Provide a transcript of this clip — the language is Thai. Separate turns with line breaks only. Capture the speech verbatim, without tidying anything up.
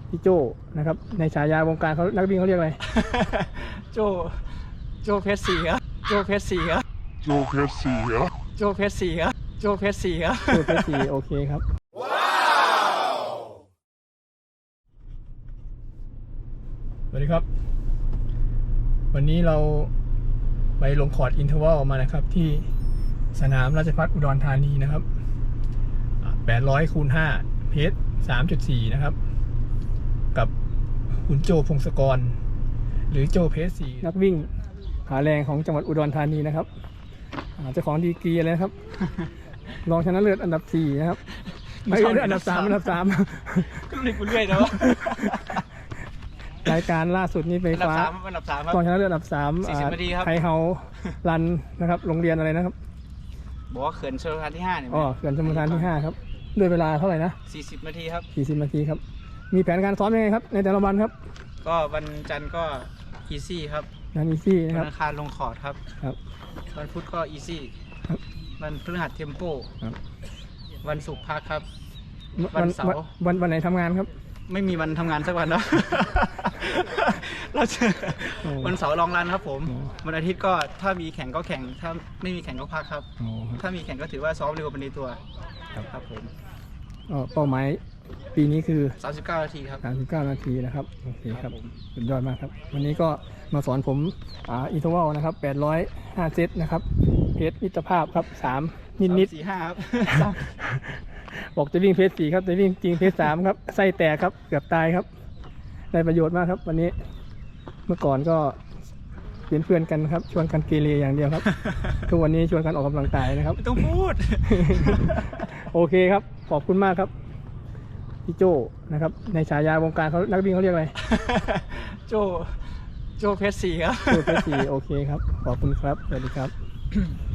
พี่โจนะครับในฉายาวงการเขานักวิ่งเขาเรียกอะไร
โจโจเพชรสีครับโจเพชรสีครับ
โจเพชรสีครับ
โจเพชรสีครับโจเพชรสีครับ
โจเพชรสีโอเคครับว้าวสวัสดีครับวันนี้เราไปลงคอร์ดอินเทอร์วัลมานะครับที่สนามราชภัฏอุดรธานีนะครับแปดร้อยคูณห้าเพจ สามจุดสี่ นะครับกับคุณโจพงศกรหรือโจเพชรสีนักวิ่งขาแรงของจังหวัดอุดรธานีนะครับเจ้าของดีกรีอะไรนะครับ รองชนะเลิศอันดับสี่นะครับไม่ใช่อันดับสามอันดับสาม
ก็เรียกกูเรื่อยนะวะ
รายการล่าสุดนี้ไป
อันดับ
ฟ้า
สามอันดับสามครับ
รองชนะเลิศอันดับสาม
สี่สิบนาทีครับ
ไทยเฮารันนะครับโรงเรียนอะไรนะครับ
บอกว่าเขื่อนชลประทานที่ห้าเนี่ย
อ๋อเขื่อนชลประทานที่ห้าครับด้วยเวลาเท่าไหร่นะ
สี่สิบนาทีครับ
สี่สิบนาทีครับมีแผนการซ้อมยังไงครับในแต่ละวันครับ
ก็วันจันทร์ก็อีซี่ครับ
งานอีซี่นะค
วั
รับ
นอังคารลงคอร์ดครับ
ครับ
วันพุธก็อีซี่
ครับ
วันพฤหัสเทมโป
ครับ
วันศุกร์พักครับ
วั
วันเสาร์
วันวันไหนทำงานครับ
ไม่มีวันทำงานสักวันเนาะ เราจะ
โอ้
วันเสาร์ลองรันครับผม
โอ้
วันอาทิตย์ก็ถ้ามีแข่งก็แข่ง ถ้าไม่มีแข่งก็พักครับ
อ๋อครับ
ถ้ามีแข่งก็ถือว่าซ้อมเร็วเป็นในตัว
ครับ
ครับผม
อ๋อเป้าหมายปีนี้คือ
สามสิบเก้านาทีครับ
สามสิบเก้านาทีนะครับโอเคครับ
ครับผม
สุดยอดมากครับวันนี้ก็มาสอนผมอ่าอินเทอร์วัลนะครับแปดร้อยห้าเซตนะครับเพจมิตรภาพครับสามนิดนิด
สี่ห้าครับ
ๆ บอกจะวิ่งเพจสี่ครับแต่วิ่งจริงเพจสามครับไส้แตกครับเกือบตายครับได้ประโยชน์มากครับวันนี้เมื่อก่อนก็เป็นเพื่อนกันครับชวนกันเกเรอย่างเดียวครับ ทุกวันนี้ชวนกันออกกำลังกายนะครับ
ไม่ต้องพูด
โอเคครับขอบคุณมากครับพี่โจนะครับในฉายาวงการเขานักวิ่งเขาเรียกอะไร
โจโจเพชรสีครับ
โจเพชรสีโอเคครับขอบคุณครับสวัสดีครับ